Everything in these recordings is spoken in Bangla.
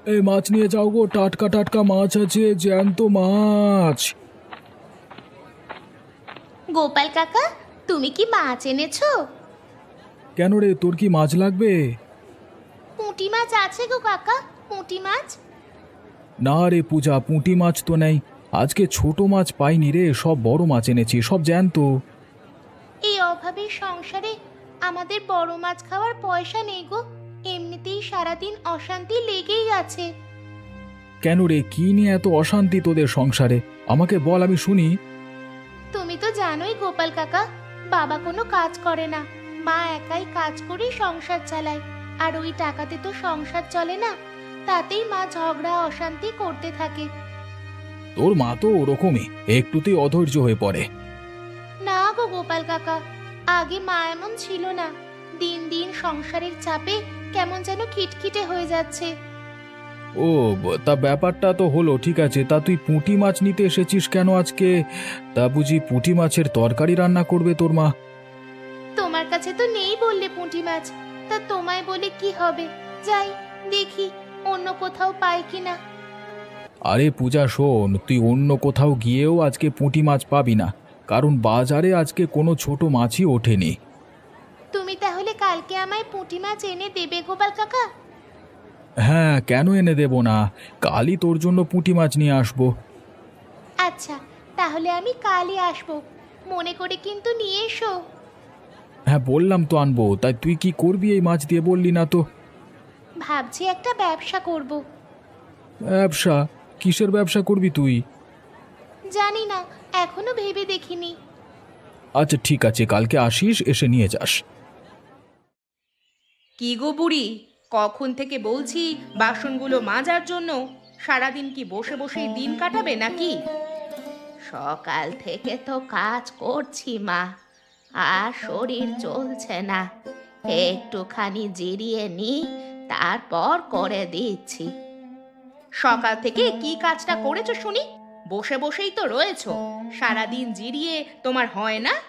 এই মাছ নিয়ে যাও গো, টাটকা টাটকা মাছ আছে, জ্যান্ত মাছ। গোপাল কাকা, তুমি কি মাছ এনেছো? কেন রে, তোর কি মাছ লাগবে? পুঁটি মাছ আছে গো কাকা, পুঁটি মাছ। না রে পূজা, পুঁটি মাছ তো নেই। আজকে ছোট মাছ পাইনি রে, সব বড় মাছ এনেছি, সব জ্যান্ত। এই অভাবের সংসারে আমাদের বড় মাছ খাওয়ার পয়সা নেই গো। এমনিতেই সারাদিন অশান্তি লেগেই আছে। কেন রে, কি নিয়ে এত অশান্তি তোদের সংসারে? আমাকে বল, আমি শুনি। তুমি তো জানোই গোপাল কাকা, বাবা কোনো কাজ করে না, মা একাই কাজ করে সংসার চালায়। আর ওই টাকাতে তো সংসার চলে না, তাতেই মা ঝগড়া অশান্তি করতে থাকে। তোর মা তো ওরকমই, একটুতেই অধৈর্য হয়ে পড়ে। না গো গোপাল কাকা, আগে মা এমন ছিল না। দিন দিন সংসারের চাপে কেমন যেন খিটখিটে হয়ে যাচ্ছে। ও, তা ব্যাপারটা তো হলো, ঠিক আছে। তা তুই পুঁটি মাছ নিতে এসেছিস কেন আজকে? তা বুঝি পুঁটি মাছের তরকারি রান্না করবে তোর মা? তোমার কাছে তো নেই বললে পুঁটি মাছ, তা তোমায় বলে কি হবে? যাই দেখি অন্য কোথাও পাই কিনা। আরে পূজা শোন, তুই অন্য কোথাও গিয়েও আজকে পুঁটি মাছ পাবি না, কারণ বাজারে আজকে কোনো ছোট মাছই ওঠেনি। তুমি তাহলে কালকে আমায় পুঁটি মাছ এনে দেবে গোপাল কাকা? হ্যাঁ, কেন এনে দেব না? কালই তোর জন্য পুঁটি মাছ নিয়ে আসবো। আচ্ছা, তাহলে আমি কালই আসবো, মনে করে কিন্তু নিয়ে এসো। হ্যাঁ, বললাম তো আনবো, তাই তুই কি করবি এই মাছ দিয়ে বললি না তো? ভাবছি একটা ব্যবসা করব। ব্যবসা? কিসের ব্যবসা করবি তুই? জানি না, এখনো ভেবে দেখিনি। আচ্ছা ঠিক আছে, কালকে আসিস, এসে নিয়ে যাস। কি গো বুড়ি, কখন থেকে বলছি বাসনগুলো মাজার জন্য? সারাদিন কি বসে বসেই দিন কাটাবে নাকি? সকাল থেকে তো কাজ করছি মা, আর শরীর চলছে না। একটুখানি জিরিয়ে নি, তারপর করে দিচ্ছি। সকাল থেকে কি কাজটা করেছো শুনি? বসে বসেই তো রয়েছো, সারাদিন জিরিয়ে তোমার হয় না?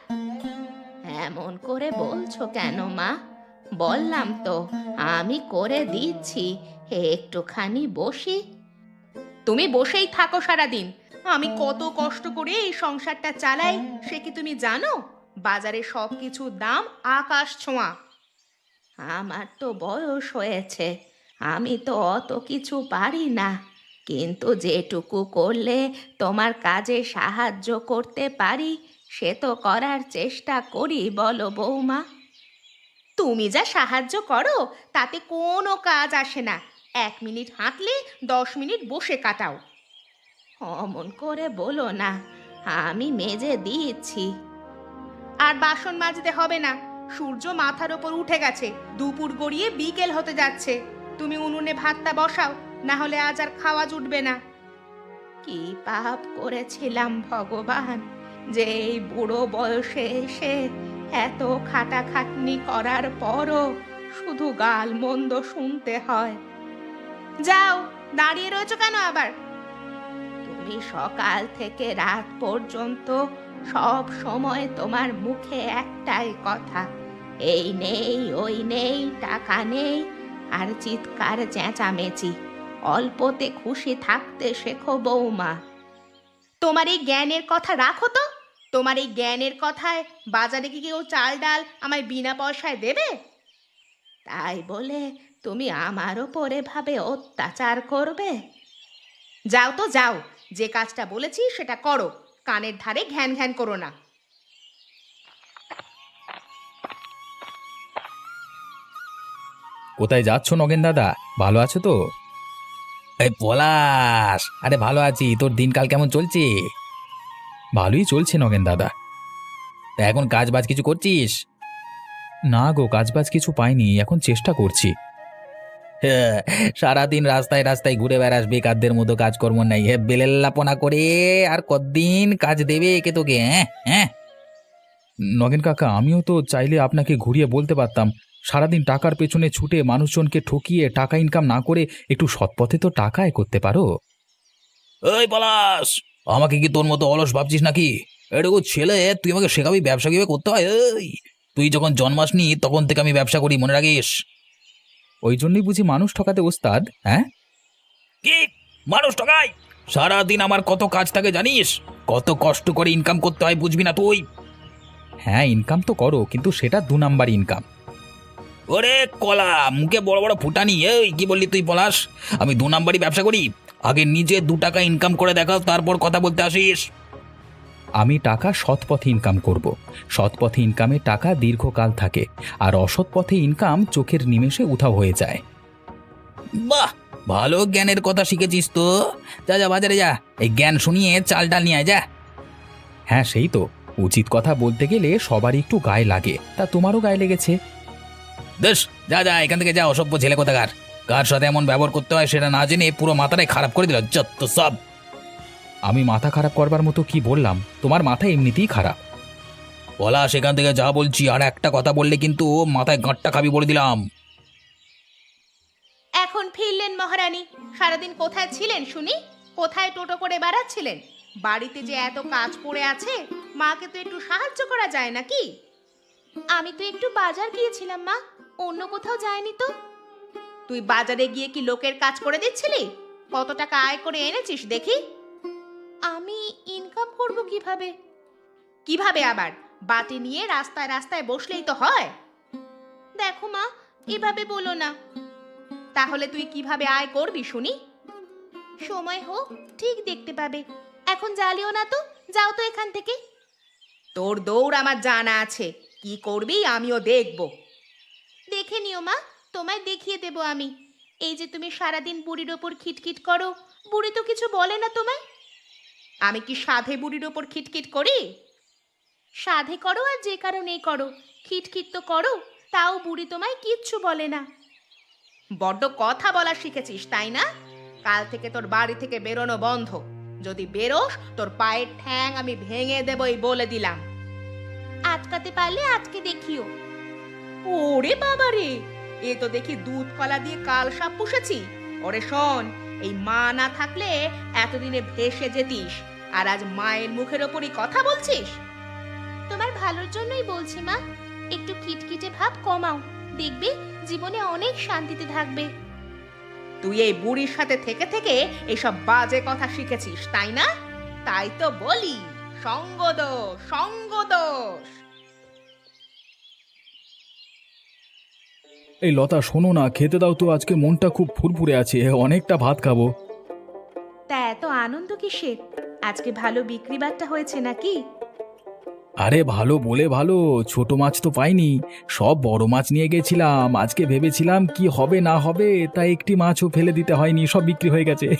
এমন করে বলছো কেন মা? বললাম তো আমি করে দিচ্ছি, একটুখানি বসি। তুমি বসেই থাকো সারাদিন। আমি কত কষ্ট করে এই সংসারটা চালাই, সে কি তুমি জানো? বাজারে সব কিছুর দাম আকাশ ছোঁয়া। আমার তো বয়স হয়েছে, আমি তো অত কিছু পারি না, কিন্তু যেটুকু করলে তোমার কাজে সাহায্য করতে পারি সে তো করার চেষ্টা করি, বলো বৌমা। তুমি যা সাহায্য করো তাতে কোনো কাজ আসে না। 1 মিনিট হাঁটলে 10 মিনিট বসে কাটাও। অমন করে বলো না, আমি মেজে দিচ্ছি। আর বাসন মাজতে হবে না, সূর্য মাথার ওপর উঠে গেছে, দুপুর গড়িয়ে বিকেল হতে যাচ্ছে। তুমি উনুনে ভাতটা বসাও, না হলে আজ আর খাওয়া জুটবে না। কি পাপ করেছিলাম ভগবান, যে এই বুড়ো বয়সে এসে এত খাটাখাটনি করার পরও শুধু গাল মন্দ শুনতে হয়। যাও, দাঁড়িয়ে রয়েছো কেন আবার? তুমি সকাল থেকে রাত পর্যন্ত সব সময় তোমার মুখে একটাই কথা, এই নেই ওই নেই, টাকা নেই, আর চিৎকার চেঁচামেচি। অল্পতে খুশি থাকতে শেখো বৌমা। তোমার এই জ্ঞানের কথা রাখো তো। তোমার এই জ্ঞানের কথায় বাজারে কি কেউ চাল ডাল আমায় বিনা পয়সায় দেবে? তাই বলে তুমি আমার ওপরে ভাবে অত্যাচার করবে? যাও তো যাও, যে কাজটা বলেছি সেটা করো, কানের ধারে ঘ্যান ঘ্যান করো না। কোথায় যাচ্ছ নগেন দাদা? ভালো আছো তো? এই পলাশ, আরে ভালো আছি। তোর দিনকাল কেমন চলছে? ভালোই চলছে নগেন দাদা। তা এখন কাজ বাজ কিছু করছিস? না গো, কাজবাজ কিছু পাইনি, এখন চেষ্টা করছি। হ্যাঁ, সারাদিন রাস্তায় রাস্তায় ঘুরে বেড়াস, বেকারদের মতো কাজকর্ম নাই। হ্যাঁ, বেলেল্লাপনা করে আর কতদিন কাজ দেবে কে তোকে? হ্যাঁ হ্যাঁ। নগেন কাকা, আমিও তো চাইলে আপনাকে ঘুরিয়ে বলতে পারতাম, সারাদিন টাকার পেছনে ছুটে মানুষজনকে ঠকিয়ে টাকা ইনকাম না করে একটু সৎপথে তো টাকা আয় করতে পারো। ওই পলাশ, আমাকে কি তোর মতো অলস ভাবছিস নাকি? এটুকু ছেলে, তুই আমাকে শেখাবি ব্যবসা কিভাবে করতে হয়? এই, তুই যখন জন্মাসনি তখন থেকে আমি ব্যবসা করি, মনে রাখিস। ওই জন্যই বুঝি মানুষ ঠকাতে ওস্তাদ, হ্যাঁ? কি মানুষ ঠকায়? সারাদিন আমার কত কাজ থাকে জানিস? কত কষ্ট করে ইনকাম করতে হয় বুঝবি না তুই? হ্যাঁ, ইনকাম তো করো, কিন্তু সেটা 2 নাম্বার ইনকাম। ওরে কলা মুখে বড় বড় ফুটানি, এই কি বললি তুই পলাশ? আমি 2 নাম্বারই ব্যবসা করি? আগে নিজে 2 টাকা ইনকাম করে দেখাও, তারপর কথা বলতে আসিস। আমি টাকা সৎ পথে ইনকাম করব। সৎ পথে ইনকামে টাকা দীর্ঘকাল থাকে, আর অসৎ পথে ইনকাম চোখের নিমেষে উধাও হয়ে যায়। বাহ, ভালো জ্ঞানের কথা শিখেছিস তো। যা যা বাজারে যা, এই জ্ঞান শুনিয়ে চাল ডাল নিয়ে আয় যা। হ্যাঁ, সেই তো। উচিত কথা বলতে গেলে সবারই একটু গায়ে লাগে, তা তোমারও গায়ে লেগেছে। বেশ, যা যা এখান থেকে যা, অসভ্য ছেলে কোথাকার। কার সাথে এমন ব্যবহার করতে হয় সেটা না জেনে পুরো মাথাটাই খারাপ করে দিল যত সব। আমি মাথা খারাপ করবার মতো কি বললাম? তোমার মাথা এমনিতেই খারাপ। বলা সেখান থেকে যা বলছি, আর একটা কথা বললে কিন্তু মাথায় গাঁটটা খাবি বলে দিলাম। এখন ফিরলেন মহারানী। সারাদিন কোথায় ছিলেন শুনি? কোথায় টোটো করে বেড়াচ্ছিলেন? বাড়িতে যে এত কাজ পড়ে আছে, মাকে তো একটু সাহায্য করা যায় নাকি? আমি তো একটু বাজার গিয়েছিলাম মা, অন্য কোথাও যাইনি তো। তুই বাজারে গিয়ে কি লোকের কাজ করে দিচ্ছিলি? কত টাকা আয় করে এনেছিস দেখি? আমি ইনকাম করব কিভাবে? কিভাবে আবার? বাটি নিয়ে রাস্তায় রাস্তায় বসলেই তো হয়। দেখো মা, এভাবে বলো না। তাহলে তুই কিভাবে আয় করবি শুনি? সময় হোক, ঠিক দেখতে পাবে। এখন জ্বালিও না তো, যাও তো এখান থেকে। তোর দৌড় আমার জানা আছে, কি করবি আমিও দেখব। দেখে নিও মা, তোমায় দেখিয়ে দেব আমি। এই যে তুমি সারাদিন বুড়ির ওপর খিটখিট করো, বুড়ি তো কিছু বলে না তোমায়। আমি কি সাধে বুড়ির ওপর খিটখিট করি? সাধে করো আর যে কারণেই করো, খিটখিট তো করো, তাও বুড়ি তোমায় কিচ্ছু বলে না। বড্ড কথা বলা শিখেছিস তাই না? কাল থেকে তোর বাড়ি থেকে বেরোনো বন্ধ। যদি বেরোস তোর পায়ের ঠ্যাং আমি ভেঙে দেবই বলে দিলাম। আটকাতে পারলে আটকে দেখিও। ওরে বাবা রে, এ তো দেখি দুধ কলা দিয়ে কাল সাপ পুষেছি। ওরে শোন, এই মা না থাকলে এতদিনে ভেসে যেতিস, আর আজ মায়ের মুখের ওপরই কথা বলছিস। তোমার ভালোর জন্যই বলছি মা, একটু খিটখিটে ভাব কমাও, দেখবে জীবনে অনেক শান্তিতে থাকবে। তুই এই বুড়ির সাথে থেকে থেকে এসব বাজে কথা শিখেছিস তাই না? তাই তো বলি, সঙ্গদোষ, সঙ্গদোষ। এই লতা, শোনো না, খেতে দাও তো, আজকে মনটা খুব ফুরফুরে আছে, অনেকটা ভাত খাবো। তা এত আনন্দ কিসের? আজকে ভালো বিক্রি বাট্টা হয়েছে নাকি? আরে ভালো বলে ভালো, ছোট মাছ তো পাইনি, সব বড় মাছ নিয়ে গেছিলাম। আজকে ভেবেছিলাম কি হবে না হবে, তাই একটি মাছও ফেলে দিতে হয়নি, সব বিক্রি হয়ে গেছে।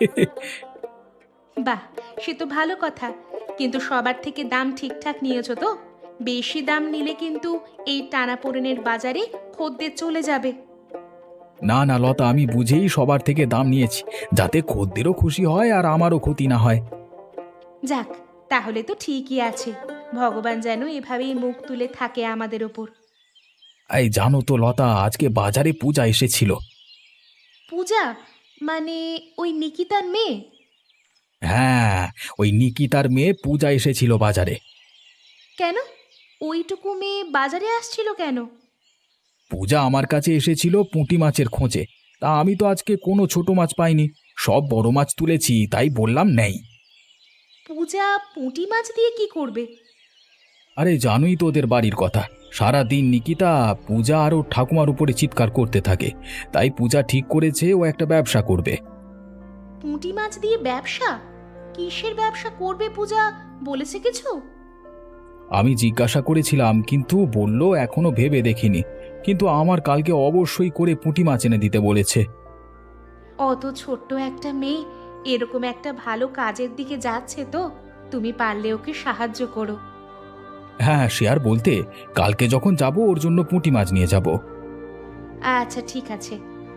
বাহ, সে তো ভালো কথা। কিন্তু সবার থেকে দাম ঠিকঠাক নিয়েছো তো? বেশি দাম নিলে কিন্তু এই টানাপোড়েনের বাজারে খদ্দের চলে যাবে। না না লতা, আমি বুঝেই সবার থেকে দাম নিয়েছি, যাতে খদ্দেরও খুশি হয় আর আমারও ক্ষতি না হয়। যাক, তাহলে তো ঠিকই আছে। ভগবান যেন এভাবেই মুখ তুলে থাকে আমাদের ওপর। এই জানো তো লতা, আজকে বাজারে পূজা এসেছিল। পূজা? মানে ওই নিকিতার মেয়ে? হ্যাঁ, ওই নিকিতার মেয়ে পূজা এসেছিল বাজারে। কেন? ওইটুকু মেয়ে বাজারে আসছিল কেন? পূজা আমার কাছে এসেছিল পুঁটি মাছের খোঁজে, তা আমি তো আজকে কোনো ছোট মাছ পাইনি, সব বড় মাছ তুলেছি, তাই বললাম নেই। পূজা পুঁটি মাছ দিয়ে কি করবে? আরে জানোই তো ওদের বাড়ির কথা, সারা দিন নিকিতা পূজা আর ওর ঠাকুমার উপরে চিৎকার করতে থাকে, তাই পূজা ঠিক করেছে ও একটা ব্যবসা করবে। পুঁটি মাছ দিয়ে ব্যবসা? কিসের ব্যবসা করবে পূজা, বলেছে কিছু? আমি জিজ্ঞাসা করেছিলাম, কিন্তু বলল এখনো ভেবে দেখিনি, কিন্তু আমার কালকে অবশ্যই করে পুঁটি মাছ এনে দিতে বলেছে। অত ছোট্ট একটা মেয়ে এরকম একটা ভালো কাজের দিকে যাচ্ছে, তো তুমি পারলে ওকে সাহায্য করো। হ্যাঁ, সে আর বলতে, কালকে যখন যাব ওর জন্য পুঁটি মাছ নিয়ে যাব। আচ্ছা ঠিক আছে।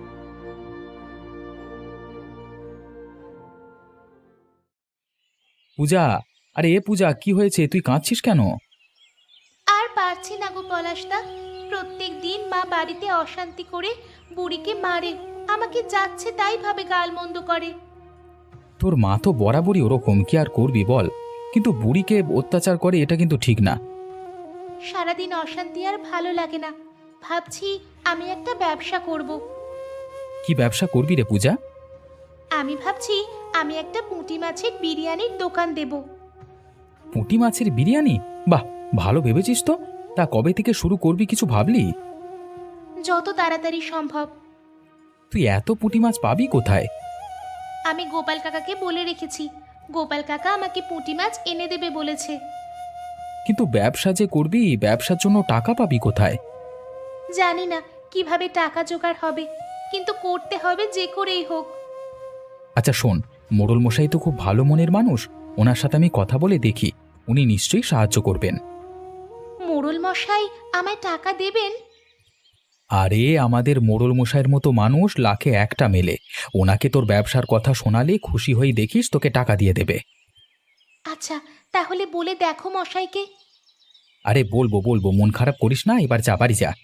পূজা, আরে এ পূজা, কি হয়েছে, তুই কাঁদছিস কেন? আর পারছি না গো পলাশদা, প্রত্যেক দিন মা বাড়িতে অশান্তি করে বুড়িকে মারে, আমাকে যাচ্ছে তাই ভাবে গালমন্দ করে। তোর মা তো বরাবরই ওরকম, কি আর করবি বল, কিন্তু বুড়িকে অত্যাচার করে, এটা কিন্তু ঠিক না। সারাদিন অশান্তি আর ভালো লাগে না, ভাবছি আমি একটা ব্যবসা করব। কি ব্যবসা করবি রে পূজা? আমি ভাবছি আমি একটা পুঁটি মাছের বিরিয়ানির দোকান দেব। পুঁটি মাছের বিরিয়ানি? বাহ, ভালো ভেবেছিস তো। তা কবে থেকে শুরু করবি, কিছু ভাবলি? যত তাড়াতাড়ি সম্ভব। তুই এত পুঁটি মাছ পাবি কোথায়? আমি গোপাল কাকাকে বলে রেখেছি, গোপাল কাকা আমাকে পুঁটি মাছ এনে দেবে বলেছে। কিন্তু ব্যবসা যে করবি, ব্যবসার জন্য টাকা পাবি কোথায়? জানি না কিভাবে টাকা জোগাড় হবে, কিন্তু করতে হবে যে করেই হোক। আচ্ছা শোন, মোড়ল মশাই তো খুব ভালো মনের মানুষ, ওনার সাথে আমি কথা বলে দেখি, উনি নিশ্চয়ই সাহায্য করবেন। মোড়ল মশাই আমায় টাকা দেবেন? আরে আমাদের মোড়ল মশাইয়ের মতো মানুষ লাখে একটা মেলে। ওনাকে তোর ব্যবসার কথা শোনালে খুশি হয়ে দেখিস তোকে টাকা দিয়ে দেবে। আচ্ছা, তাহলে বলে দেখো মশাইকে। আরে বলবো বলবো, মন খারাপ করিস না, এবার যা বাড়ি যা।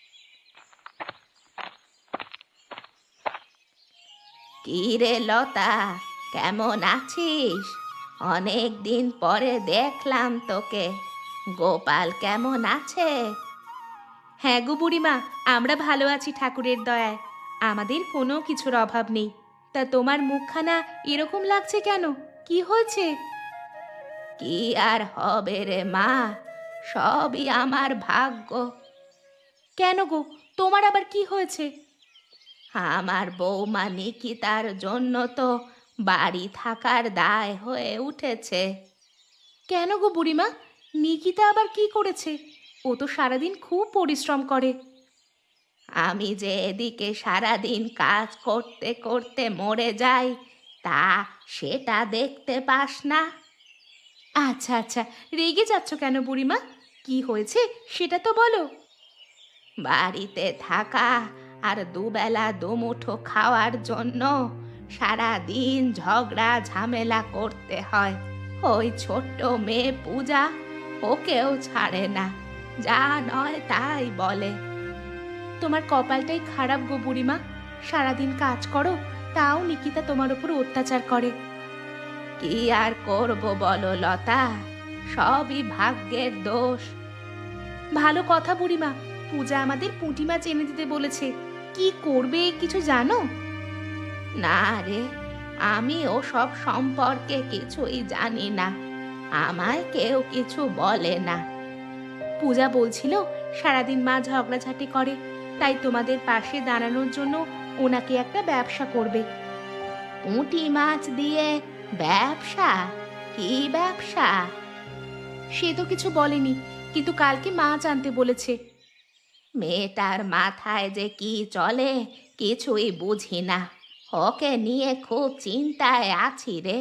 কি রে লতা, কেমন আছিস? অনেক দিন পরে দেখলাম তোকে। গোপাল কেমন আছে? হ্যাঁ গো বুড়িমা, আমরা ভালো আছি ঠাকুরের দয়ায়, আমাদের কোনো কিছুর অভাব নেই। তা তোমার মুখখানা এরকম লাগছে কেন, কি হয়েছে? কি আর হবে রে মা, সবই আমার ভাগ্য। কেন গো, তোমার আবার কি হয়েছে? আমার বৌমা নিকিতার জন্য তো বাড়ি থাকার দায় হয়ে উঠেছে। কেন গো বুড়িমা, নিকিতা আবার কি করেছে? ও তো সারাদিন খুব পরিশ্রম করে। আমি যে এদিকে সারাদিন কাজ করতে করতে মরে যাই, তা সেটা দেখতে পাস না? আচ্ছা আচ্ছা, রেগে যাচ্ছ কেন বুড়িমা? কি হয়েছে সেটা তো বলো। বাড়িতে থাকা আর দুবেলা দুমুঠো খাওয়ার জন্য সারা দিন ঝগড়া ঝামেলা করতে হয়। ওই ছোট্ট মেয়ে পূজা ওকেও ছাড়ে না, যা নয় তাই বলে। তোমার কপালটাই খারাপ গো বুড়িমা, সারাদিন কাজ করো তাও নিকিতা তোমার উপর অত্যাচার করে। কি আর করব বলো লতা, সবই ভাগ্যের দোষ। ভালো কথা বুড়িমা, পূজা আমাদের পুঁটি মাছ এনে দিতে বলেছে, কি করবে কিছু জানো? না রে, আমি ওসব সম্পর্কে কিছুই জানি না, আমায় কেউ কিছু বলে না। পূজা বলছিল সারাদিন মা ঝগড়াঝাটি করে, তাই তোমাদের পাশে দাঁড়ানোর জন্য ওনাকে একটা ব্যবসা করবে। পুঁটি মাছ দিয়ে ব্যবসা? কি ব্যবসা? সে তো কিছু বলেনি, কিন্তু কালকে মাছ আনতে বলেছে। মেয়েটার মাথায় যে কি চলে কিছুই বুঝি না, ওকে নিয়ে খুব চিন্তায় আছি রে।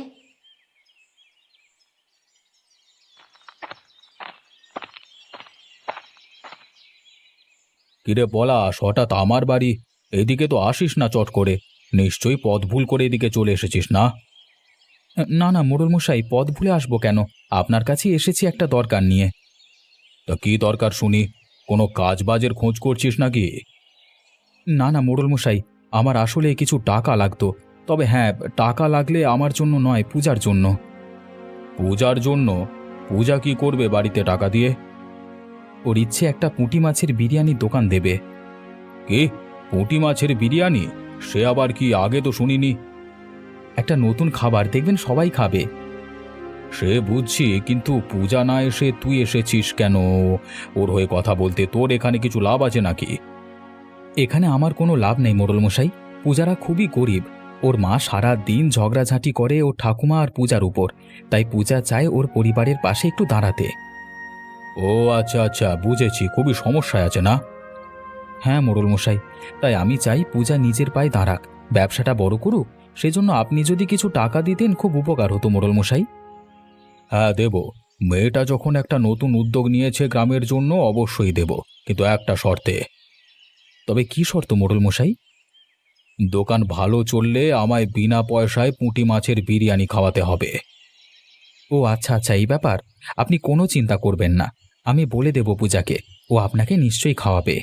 কিরে পলাশ, হঠাৎ আমার বাড়ি? এদিকে তো আসিস না চট করে, নিশ্চয়ই পথ ভুল করে এদিকে চলে এসেছিস না? না না মোড়ল মশাই, পথ ভুলে আসবো কেন, আপনার কাছে এসেছি একটা দরকার নিয়ে। তা কি দরকার শুনি? কোনো কাজ বাজের খোঁজ করছিস নাকি? না না মোড়ল মশাই, আমার আসলে কিছু টাকা লাগতো, তবে হ্যাঁ, টাকা লাগলে আমার জন্য নয়, পূজার জন্য। পূজার জন্য? পূজা কি করবে বাড়িতে টাকা দিয়ে? ওর ইচ্ছে একটা পুঁটি মাছের বিরিয়ানির দোকান দেবে। কি, পুঁটি মাছের বিরিয়ানি? সে আবার কি, আগে তো শুনিনি। একটা নতুন খাবার, দেখবেন সবাই খাবে। সে বুঝছি, কিন্তু পূজা না এসে তুই এসেছিস কেন ওর হয়ে কথা বলতে? তোর এখানে কিছু লাভ আছে নাকি? এখানে আমার কোনো লাভ নেই মোড়ল মশাই, পূজারা খুবই গরিব, ওর মা সারা দিন ঝগড়াঝাঁটি করে ওর ঠাকুমা আর পূজার উপর, তাই পূজা চায় ওর পরিবারের পাশে একটু দাঁড়াতে। ও আচ্ছা আচ্ছা, বুঝেছি, খুবই সমস্যায় আছে না? হ্যাঁ মোড়ল মশাই, তাই আমি চাই পূজা নিজের পায়ে দাঁড়াক, ব্যবসাটা বড় করুক, সেজন্য আপনি যদি কিছু টাকা দিতেন খুব উপকার হতো মোড়ল মশাই। হ্যাঁ দেব, মেয়েটা যখন একটা নতুন উদ্যোগ নিয়েছে গ্রামের জন্য, অবশ্যই দেব, কিন্তু একটা শর্তে। তবে কি শর্ত মোড়ল মশাই? দোকান ভালো চললে আমায় বিনা পয়সায় পুঁটি মাছের বিরিয়ানি খাওয়াতে হবে। ও আচ্ছা আচ্ছা, এই ব্যাপার, আপনি কোনো চিন্তা করবেন না, আমি বলে দেব পূজাকে, ও আপনাকে নিশ্চয়ই খাওয়াবে।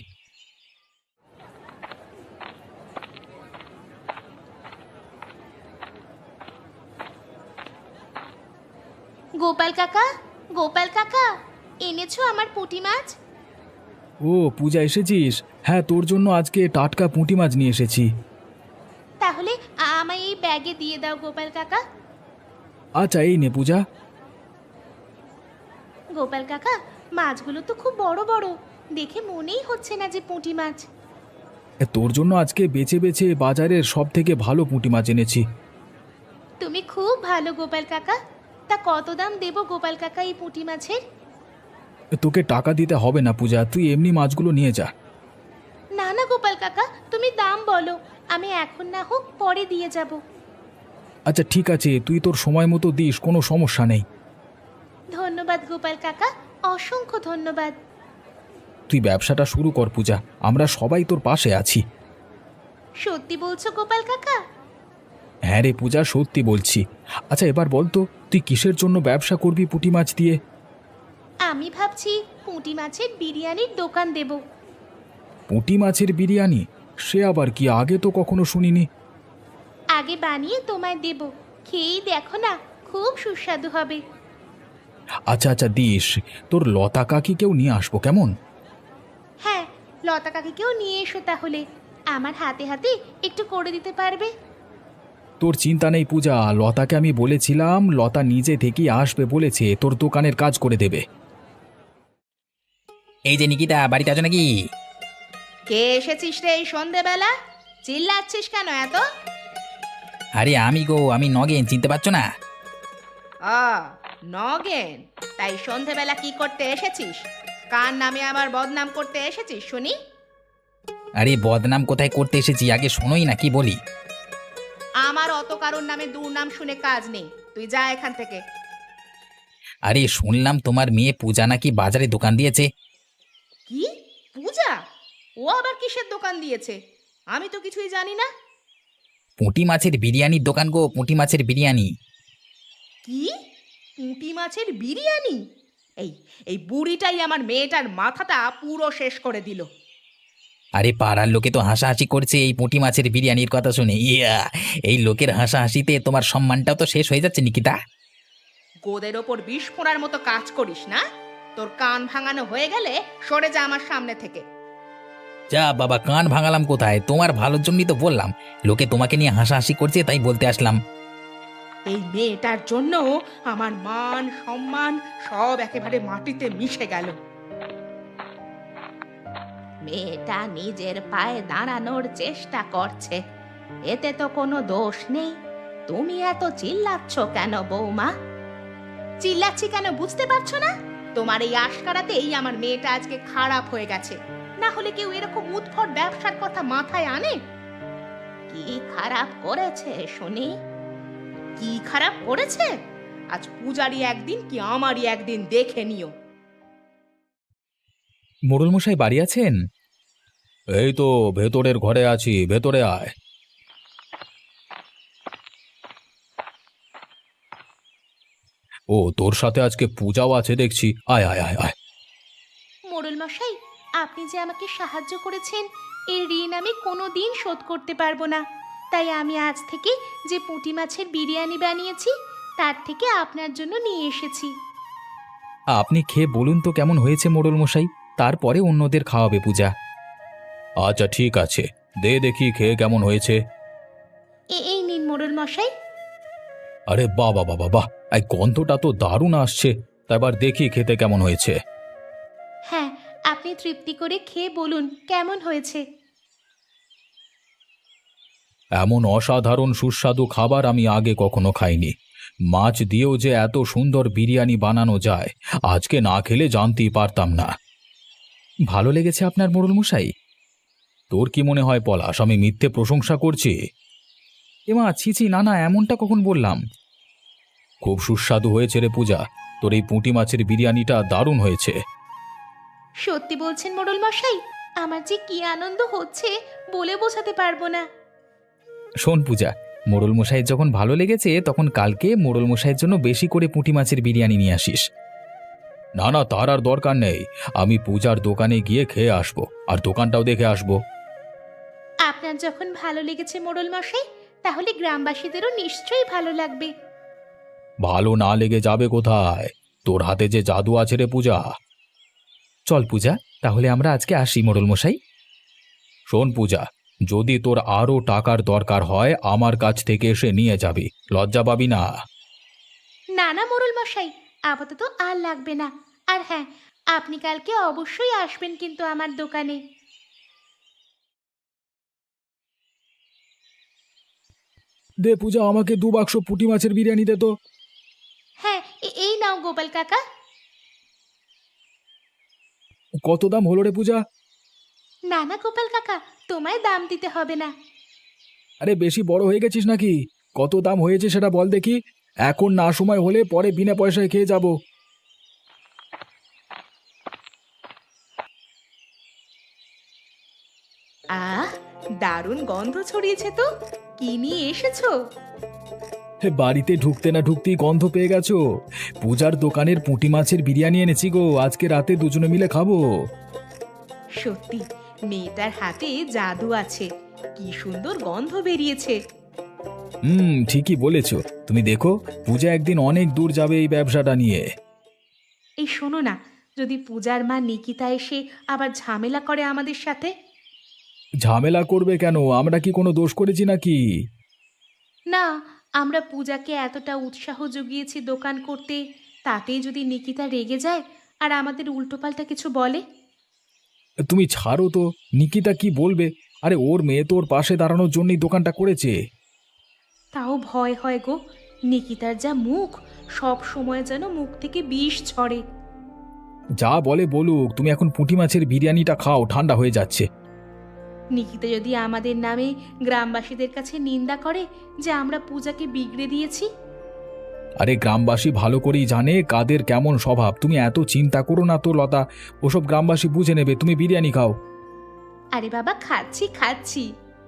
গোপাল কাকা, গোপাল কাকা, এনেছো আমার পুঁটি মাছ? ও পূজা, এসেছিস? হ্যাঁ, তোর জন্য আজকে টাটকা পুঁটি মাছ নিয়ে এসেছি। তাহলে আমায় এই ব্যাগে দিয়ে দাও গোপাল কাকা। আচ্ছা এই নে পূজা। গোপাল কাকা, মাছগুলো তো খুব বড় বড়, দেখে মনেই হচ্ছে না যে পুঁটি মাছ। তোর জন্য আজকে বেছে বেছে বাজারের সব থেকে ভালো পুঁটি মাছ এনেছি। তুমি খুব ভালো গোপাল কাকা। তা কত দাম দেবো গোপাল কাকা এই পুঁটি মাছের? তোকে টাকা দিতে হবে না পূজা, তুই এমনি মাছগুলো নিয়ে যা। না না গোপাল কাকা, তুমি দাম বলো, আমি এখন না হোক পরে দিয়ে যাব। আচ্ছা ঠিক আছে, তুই তোর সময় মতো দিস, কোনো সমস্যা নেই। ধন্যবাদ গোপাল কাকা, অসংখ্য ধন্যবাদ। তুই ব্যবসাটা শুরু কর পূজা, আমরা সবাই তোর পাশে আছি। সত্যি বলছো গোপাল কাকা? হ্যাঁ রে পূজা, সত্যি বলছি। আচ্ছা এবার বল তো, তুই কিসের জন্য ব্যবসা করবি পুঁটি মাছ দিয়ে? আমি ভাবছি পুঁটি মাছের বিরিয়ানির দোকান দেব। পুঁটি মাছের বিরিয়ানি? সে আবার কি, আগে তো কখনো শুনিনি। আগে বানিয়ে তোমায় দেব, খেয়েই দেখো না, খুব সুস্বাদু হবে। আচ্ছা আচ্ছা দিস, তোর লতা কাকিকেও নিয়ে আসবো কেমন? হ্যাঁ, লতা কাকিকেও নিয়ে এসো তাহলে, আমার হাতে হাতে একটু করে দিতে পারবে। তোর চিন্তা নেই পূজা, লতাকে আমি বলেছিলাম, লতা নিজে থেকেই আসবে বলেছে, তোর দোকানের কাজ করে দেবে। এই যে নিকিতা, বাড়িতে আছো নাকি? কে এসেছিস রে এই সন্ধেবেলা? চিল্লাচ্ছিস কেন এত? আরে আমি গো, আমি নগেন, চিনতে পারছো না? নগেন? তাই সন্ধেবেলা কি করতে এসেছিস? কার নামে আমার বদনাম করতে এসেছিস শুনি? আরে বদনাম কোথায় করতে এসেছি, আগে শোনোই না কি বলি। আমার অত কারোর নামে দুর্নাম শুনে কাজ নেই, তুই যা এখান থেকে। আরে শুনলাম তোমার মেয়ে পূজা নাকি বাজারে দোকান দিয়েছে। কি? পূজা? ও আবার কিসের দোকান দিয়েছে? আমি তো কিছুই জানি না। পুঁটি মাছের বিরিয়ানির দোকান গো, পুঁটি মাছের বিরিয়ানি। কি? পুঁটি মাছের বিরিয়ানি? এই এই বুড়িটাই আমার মেয়েটার মাথাটা পুরো শেষ করে দিল। আরে পাড়ার লোকে তো হাসাহাসি করছে এই পুঁটি মাছের বিরিয়ানির কথা শুনে। ইয়া, এই লোকের হাসাহাসিতে তোমার সম্মানটাও তো শেষ হয়ে যাচ্ছে নিকিতা। গোদের ওপর বিষ ফোঁড়ার মতো কাজ করিস না। তোর কান ভাঙানো হয়ে গেলে সরে যা আমার সামনে থেকে। যা বাবা, কান ভাঙালাম কোথায়? তোমার ভালোর জন্যই তো বললাম, লোকে তোমাকে নিয়ে হাসাহাসি করছে তাই বলতে আসলাম। এই মেয়েটার জন্য আমার মান সম্মান সব একেবারে মাটিতে মিশে গেল। মেয়েটা নিজের পায়ে দাঁড়ানোর চেষ্টা করছে, এতে তো কোনো দোষ নেই। তুমি এত চিল্লাচ্ছ কেন বৌমা? চিল্লাচ্ছি কেন বুঝতে পারছো না? তোমার এই আশকারাতেই আমার মেয়েটা আজকে খারাপ হয়ে গেছে। না হলে কেউ এরকম উদ্ভট ব্যবসার কথা মাথায় আনে? কি খারাপ করেছে শুনি? কি খারাপ করেছে? আজ পূজারি একদিন কি আমারই একদিন দেখে নিও। মোড়ল মশাই বাড়ি আছেন? এই তো ভেতরের ঘরে আছি, ভেতরে আয়। ও তোর সাথে আজকে পূজাও আছে দেখছি, আয় আয় আয় আয়। মোড়ল মশাই, আপনি যে আমাকে সাহায্য করেছেন, এর ঋণ আমি কোনোদিন শোধ করতে পারবো না। তাই আমি আজ থেকে যে পুঁটি মাছের বিরিয়ানি বানিয়েছি তার থেকে আপনার জন্য নিয়ে এসেছি। আপনি খেয়ে বলুন তো কেমন হয়েছে মোড়ল মশাই, তারপরে অন্যদের খাওয়াবে পূজা। আচ্ছা ঠিক আছে, দে দেখি খেয়ে কেমন হয়েছে। এই নিন মোড়ল মশাই। আরে বাহ বাহ বাহ বাহ, এই গন্ধটা তো দারুণ আসছে। তা এবার দেখি খেতে কেমন হয়েছে। হ্যাঁ, আপনি তৃপ্তি করে খেয়ে বলুন কেমন হয়েছে। এমন অসাধারণ সুস্বাদু খাবার আমি আগে কখনো খাইনি। মাছ দিয়েও যে এত সুন্দর বিরিয়ানি বানানো যায়, আজকে না খেলে জানতেই পারতাম না। ভালো লেগেছে আপনার মোড়ল মশাই? তোর কি মনে হয় পলাশ, আমি মিথ্যে প্রশংসা করছি? এমা ছি ছি, না না, এমনটা কখন বললাম? খুব সুস্বাদু হয়েছে রে পূজা, তোর এই পুঁটি মাছের বিরিয়ানিটা দারুণ হয়েছে। সত্যি বলছেন মোড়ল মশাই? আমার যে কি আনন্দ হচ্ছে বলে বোঝাতে পারবো না। শোন পূজা, মোড়ল মশাইয়ের যখন ভালো লেগেছে তখন কালকে মোড়ল মশাইয়ের জন্য বেশি করে পুঁটি মাছের বিরিয়ানি নিয়ে আসিস। না না, তার আর দরকার নেই, আমি পূজার দোকানে গিয়ে খেয়ে আসবো, আর দোকানটাও দেখে আসবো। আপনার যখন ভালো লেগেছে মোড়ল মশাই, তাহলে গ্রামবাসীদেরও নিশ্চয়ই ভালো লাগবে। ভালো না লেগে যাবে কোথায়? তোর হাতে যে জাদু আছে রে পূজা। চল পূজা, তাহলে আমরা আজকে আসি মোড়ল মশাই। শোন পূজা, যদি তোর আরও টাকার দরকার হয় আমার কাছ থেকে এসে নিয়ে যাবি, লজ্জা পাবি না। না না মোড়ল মশাই, আপাতত আর লাগবে না। আর হ্যাঁ, আপনি কালকে অবশ্যই আসবেন কিন্তু আমার দোকানে। দে পূজা, আমাকে 2 বাক্স পুঁটি মাছের বিরিয়ানি দে তো। হ্যাঁ, এই নাও গোপাল কাকা। কত দাম হলো রে পূজা? না না গোপাল কাকা, তোমায় দাম দিতে হবে না। আরে বেশি বড় হয়ে গেছিস নাকি? কত দাম হয়েছে সেটা বল দেখি। এখন না সময় হলে পরে বিনা পয়সায় খেয়ে যাব। আহ, দারুণ গন্ধ ছড়িয়েছে তো। কি নিয়ে এসেছো? বাড়িতে ঢুকতে না ঢুকতেই গন্ধ পেয়ে গেছো? পূজার দোকানের পুঁটি মাছের বিরিয়ানি এনেছি গো, আজকে রাতে দুজনে মিলে খাবো। সত্যি মেয়েটার হাতে জাদু আছে, কি সুন্দর গন্ধ বেরিয়েছে। ঠিকই বলেছ। তুমি দেখো, পূজা একদিন অনেক দূর যাবে এই ব্যবসাটা নিয়ে। এই শোনো না, যদি পূজার মা নিকিতা এসে আবার ঝামেলা করে আমাদের সাথে? ঝামেলা করবে কেন? আমরা কি কোনো দোষ করেছি নাকি? না, আমরা পূজাকে এতটা উৎসাহ জুগিয়েছি দোকান করতে, তাতেই যদি নিকিতা রেগে যায় আর আমাদের উল্টোপাল্টা কিছু বলে? তুমি ছাড়ো তো, নিকিতা কি বলবে? আরে ওর মেয়ে তো ওর পাশে দাঁড়ানোর জন্যই দোকানটা করেছে। তাও ভয় হয় গো, নিকিতার যা মুখ, সব সময় যেন মুখ থেকে বিষ ঝরে। যা বলে বলুক, তুমি এখন পুঁটি মাছের বিরিয়ানিটা খাও, ঠান্ডা হয়ে যাচ্ছে। নিকিতা যদি আমাদের নামে গ্রামবাসীদের কাছে নিন্দা করে যে আমরা পূজাকে বিগড়ে দিয়েছি? আরে গ্রামবাসী ভালো করেই জানে কাদের কেমন স্বভাব, তুমি এত চিন্তা করো না তো লতা। ওসব গ্রামবাসী বুঝে নেবে, তুমি বিরিয়ানি খাও। আরে বাবা, খাচ্ছি খাচ্ছি।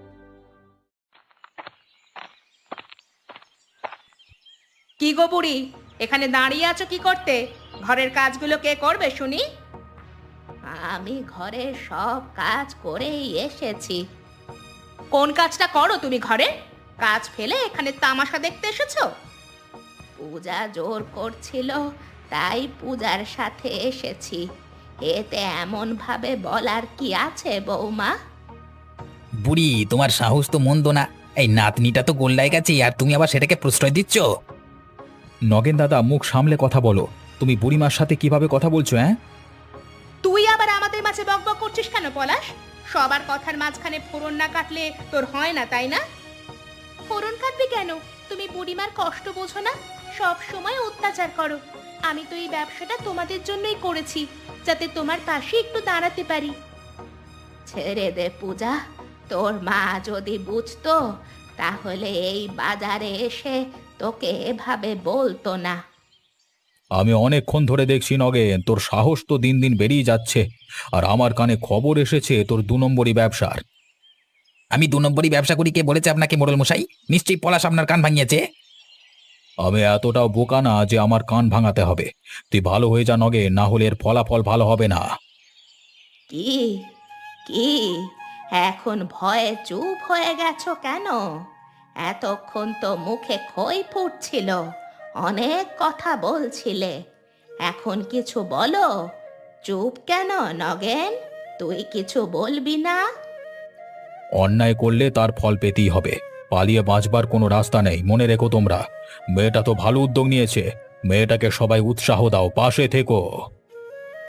কি গো বুড়ি, এখানে দাঁড়িয়ে আছো কি করতে? ঘরের কাজগুলো কে করবে শুনি? আমি ঘরের সব কাজ করেই এসেছি। কোন কাজটা করো তুমি ঘরে? কাজ ফেলে এখানে তামাশা দেখতে এসেছো? পূজা জোর করছিল, তাই পূজার সাথে এসেছি। এতে এমন ভাবে বলার কি আছে বৌমা? বুড়ি, তোমার সাহস তো মন্দ না। এই নাতনিটা তো গোল্লায় গেছে, আর তুমি আবার সেটাকে প্রশ্রয় দিচ্ছ? নগেন দাদা, মুখ সামলে কথা বলো। তুমি বুড়িমার সাথে কিভাবে কথা বলছো? হ্যাঁ, তুই আবার আমাদের মাঝে বকবক করছিস কেন পলাশ? সবার কথার মাঝখানে ফোড়ন না কাটলে তোর হয় না, তাই না? ফোড়ন কাটবি কেন? তুমি বুড়িমার কষ্ট বোঝো না? সব সময় অত্যাচার করো। আমি তো এই ব্যবসাটা তোমাদের জন্যই করেছি, যাতে তোমার পাশে একটু দাঁড়াতে পারি। ছেড়ে দে পূজা, তোর মা যদি বুঝতো তাহলে এই বাজারে এসে তোকে এভাবে বলতো না। আমি অনেকক্ষণ ধরে দেখছি নগেন, তোর সাহস তো দিন দিন বেরিয়ে যাচ্ছে। আর আমার কানে খবর এসেছে তোর 2 নম্বরই ব্যবসার। আমি 2 নম্বরই ব্যবসা করি, কে বলেছে আপনাকে মোড়ল মশাই? নিশ্চয়ই পলাশ আপনার কান ভাঙিয়েছে। আমি এতটাও বোকা না যে আমার কান ভাঙাতে হবে। তুই ভালো হয়ে যা নগেন, না হলে এর ফলাফল ভালো হবে না। কি কি এখন ভয়ে চুপ হয়ে গেছো কেন? এতক্ষণ তো মুখে খই ফুটছিল, অনেক কথা বলছিলে। এখন কিছু বলো। চুপ কেন নগেন? তুই কিছু বলবি না? অন্যায় করলে তার ফল পেতেই হবে, পালিয়ে বাঁচবার কোনো রাস্তা নেই, মনে রেখো তোমরা। মেয়েটা তো ভালো উদ্যোগ নিয়েছে, মেয়েটাকে সবাই উৎসাহ দাও, পাশে থেকো।